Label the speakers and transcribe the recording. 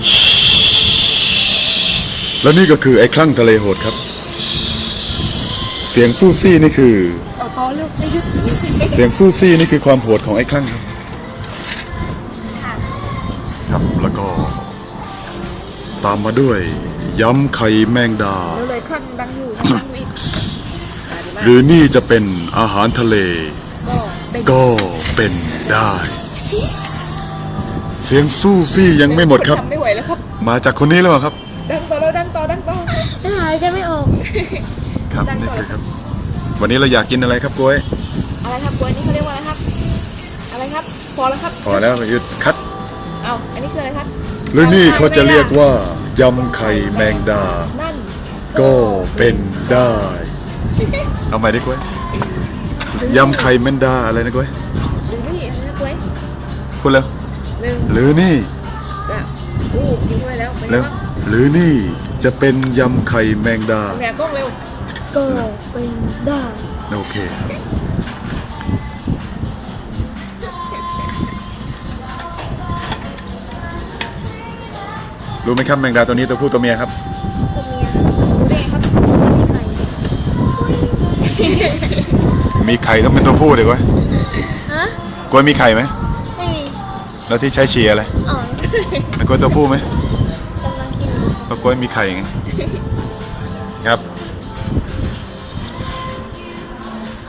Speaker 1: และนี่ก็คือไอ้คลั่งทะเลโหดครับเสียงซู่ซี่นี่คือ
Speaker 2: พอเร็วไม่หยุด
Speaker 1: เสียงซู่ซี่นี่คือความโหดของไอ้คลั่งครับครับแล้วก็ตามมาด้วยยำไข่แมงดา
Speaker 2: เร็วเลยคลั่งดังอยู่ดังอีก
Speaker 1: หรือนี่จะเป็นอาหารทะเล
Speaker 2: ก็
Speaker 1: ก็เป็นได้ เสียงซู่ซี่ยังไม่หมดครับ
Speaker 2: ทำไม่ไหวแล้วครับ
Speaker 1: มาจากคนนี้แล้วครับ
Speaker 2: ดังต่อแล้วดังต่อ
Speaker 3: หายใจไม่ออก
Speaker 1: ครับนี่คือครับ วันนี้เราอยากกินอะไรครับกล้วย
Speaker 2: อะไรครับกล้วยนี่เขาเรียกว่าอะไรครับอะไรครับพอแล้วครับ
Speaker 1: พอแล้วหยุดคัด
Speaker 2: เอาอันนี้คืออะไรครับ
Speaker 1: หรือนี่เขาจะเรียกว่ายำไข่แมงดา
Speaker 2: นั่น
Speaker 1: ก็เป็นได้เอาใหม่ดิกล้วยยำไข่แมงดาอะไรนะกล้วย
Speaker 2: หรือนี่อะไรนะกล้วย
Speaker 1: พูดเร็ว
Speaker 2: หนึ่ง
Speaker 1: หรือนี่
Speaker 2: จะกินเข้าไปแล้วเป็นไง
Speaker 1: เร็ว
Speaker 2: บ้าง
Speaker 1: หรือนี่จะเป็นยำไข่แมงดา
Speaker 2: แหนกล้องเร็ว
Speaker 3: ก็เป็นได้
Speaker 1: โอเคครับรู้ไหมครับแมงดาตัวนี้ตัวผู้ตัวเมียครับ
Speaker 3: ตัวเมียรู้ได้ครับมีไข่
Speaker 1: มีไข่ต้องเป็นตัวผู้เดี๋ยวกล้วย
Speaker 3: ฮะ
Speaker 1: กล้วยมีไข่ไหม
Speaker 3: ไม่มี
Speaker 1: แล้วที่ใช้เชียร์อะไร
Speaker 3: อ๋อ
Speaker 1: แล้วกล้วยตัวผู้ไหม
Speaker 3: กำลังกินอยู่
Speaker 1: เพราะกล้วยมีไข่ไงครับ